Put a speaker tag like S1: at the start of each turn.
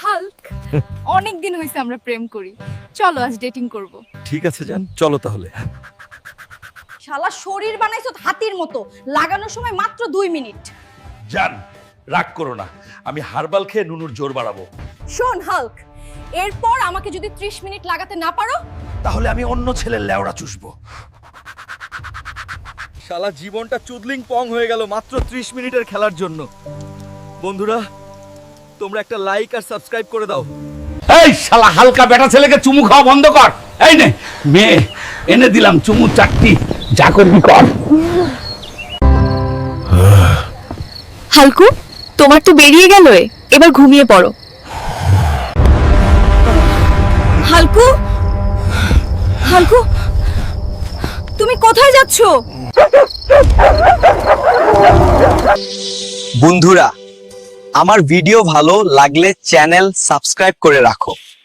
S1: Hulk, অনেক দিন হয়েছে আমরা প্রেম করি, চলো আজ ডেটিং করব।
S2: ঠিক আছে জান, চলো তাহলে।
S3: শালা শরীর বানাইছো হাতির মতো, লাগানোর সময় মাত্র 2 মিনিট।
S2: জান, রাগ করো না, আমি হারবাল খেয়ে নুনুর জোর বাড়াবো।
S3: শোন হাল্ক, এরপর আমাকে যদি 30 মিনিট লাগাতে না পারো,
S2: তাহলে আমি অন্য ছেলের লেওড়া চুষবো। শালা জীবনটা চুদলিং পং হয়ে গেল মাত্র 30 মিনিটের খেলার জন্য। বন্ধুরা, তোমরা একটা লাইক আর সাবস্ক্রাইব করে দাও।
S4: এই শালা হালকা বেটা ছেলেকে চুমু খাওয়া বন্ধ কর। এই নে মেয়ে, এনে দিলাম চুমু চারটি, যা করবি কর।
S1: হালকু, তোমার তো বেরিয়ে গেল, এবার ঘুমিয়ে পড়ো।
S3: হালকু, হালকু, তুমি কোথায় যাচ্ছো?
S5: বন্ধুরা, আমার ভিডিও ভালো লাগলে চ্যানেল সাবস্ক্রাইব করে রাখো।